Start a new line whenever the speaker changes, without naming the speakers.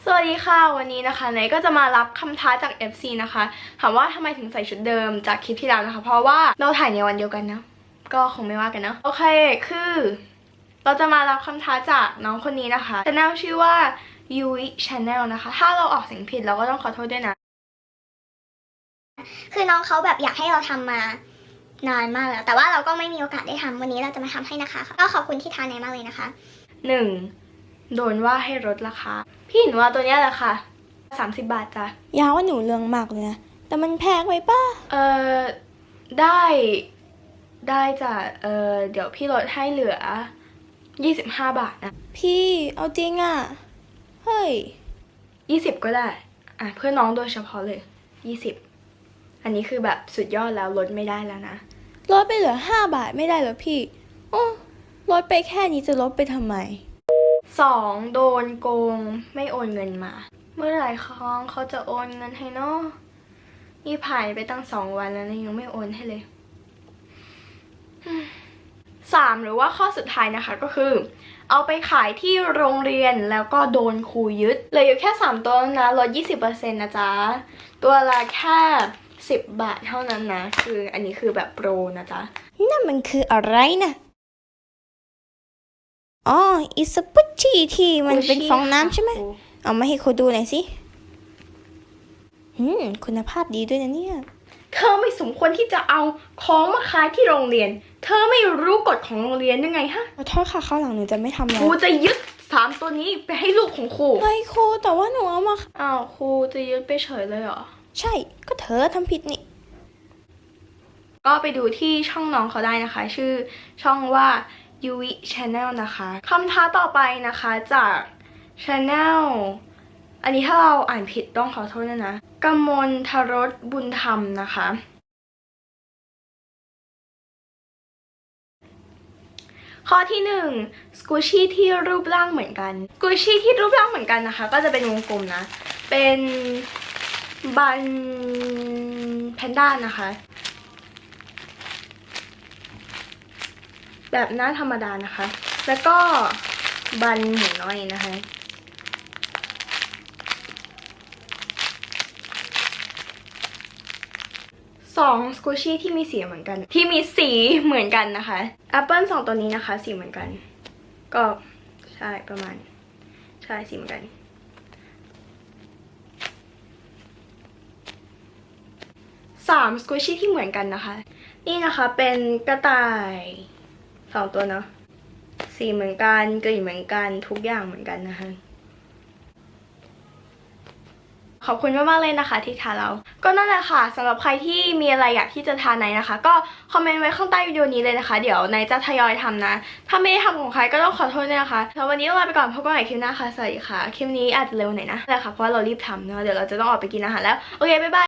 สวัสดีค่ะวันนี้นะคะเนยก็จะมารับคำท้าจาก FC นะคะถามว่าทำไมถึงใส่ชุดเดิมจากคลิปที่แล้วนะคะเพราะว่าเราถ่ายในวันเดียวกันนะก็คงไม่ว่ากันเนาะโอเคคือเราจะมารับคำท้าจากน้องคนนี้นะคะช anel ชื่อว่า Yui Channel นะคะถ้าเราออกเสียงผิดเราก็ต้องขอโทษด้วยนะ
คือน้องเขาแบบอยากให้เราทำมานานมากแล้วแต่ว่าเราก็ไม่มีโอกาสได้ทำวันนี้เราจะมาทำให้นะคะก็ขอบคุณที่ทานในมากเลยนะคะ
1. โดนว่าให้ลดราคาพี่หนูว่าตัวเนี้ยแหละค่ะ30 บาทจ้ะ
ยาวว่าหนูเรื่องมากเลยนะ แต่มันแพงไปป่ะ
ได้จ้ะเดี๋ยวพี่ลดให้เหลือ25 บาทนะ
พี่เอาจริงอ่ะ เฮ้ย
20ก็ได้เพื่อน้องโดยเฉพาะเลย20อันนี้คือแบบสุดยอดแล้วลดไม่ได้แล้วนะ
ลดไปเหลือ5 บาทไม่ได้เหรอพี่โอ้ลดไปแค่นี้จะลดไปทำไม
2. โดนโกงไม่โอนเงินมา เมื่อไหร่เขาจะโอนเงินให้เนาะนี่ผ่านไปตั้ง2 วันแล้วนะยังไม่โอนให้เลย 3. หรือว่าข้อสุดท้ายนะคะก็คือเอาไปขายที่โรงเรียนแล้วก็โดนครูยึดเหลืออยู่แค่3ตัวนะลด 20% นะจ๊ะตัวละแค่10 บาทเท่านั้นนะคืออันนี้คือแบบโปรนะจ๊ะ
นั่นมันคืออะไรนะอ๋ออิสปุชชี่ที่มันเป็นฟองน้ำใช่ไหม เอามาให้ครูดูหน่อยสิคุณภาพดีด้วยนะเนี่ย
เธอไม่สมควรที่จะเอาของมาขายที่โรงเรียนเธอไม่รู้กฎของโรงเรียนยังไงฮะ
ขอโทษค่ะคราวหลังหนูจะไม่ทำแล้
คว รูจะยึด3ตัวนี้ไปให้ลูกของครู
เฮ้ยครูแต่ว่าหนูเอามา
อ้าวครูจะยึดไปเฉยเลยเหรอ
ใช่ ก็เธอทำผิดนี่
ก็ไปดูที่ช่องน้องเขาได้นะคะ ชื่อช่องว่า Yui Channel นะคะคำท้าต่อไปนะคะจาก Channel อันนี้ถ้าเราอ่านผิดต้องขอโทษนะกมลทรสบุญธรรมนะคะ ข้อที่1สกูชี่ที่รูปร่างเหมือนกันสกูชี่ที่รูปร่างเหมือนกันนะคะก็จะเป็นวงกลมนะเป็นบันแพนด้านะคะแบบหน้าธรรมดานะคะแล้วก็บันหมูน้อยนะคะ2สกูชี่ที่มีสีเหมือนกันนะคะแอปเปิล2ตัวนี้นะคะสีเหมือนกันก็ใช่ประมาณใช่สีเหมือนกัน3สกูชี่ที่เหมือนกันนะคะนี่นะคะเป็นกระต่าย2ตัวเนาะสีเหมือนกันกลิ่นเหมือนกันทุกอย่างเหมือนกันนะคะขอบคุณมากๆเลยนะคะที่ทานเราก็นั่นแหละค่ะสำหรับใครที่มีอะไรอยากที่จะทานไหนนะคะก็คอมเมนต์ไว้ข้างใต้วิดีโอนี้เลยนะคะเดี๋ยวไหนจะทยอยทำนะถ้าไม่ได้ทำของใครก็ต้องขอโทษด้วยนะคะแล้ววันนี้ลาไปก่อนพบกันใหม่คลิปหน้าค่ะสวัสดีค่ะคลิปนี้อาจจะเร็วหน่อยนะแต่ค่ะเพราะว่าเรารีบทำเนาะเดี๋ยวเราจะต้องออกไปกินอาหารแล้วโอเคบ๊ายบาย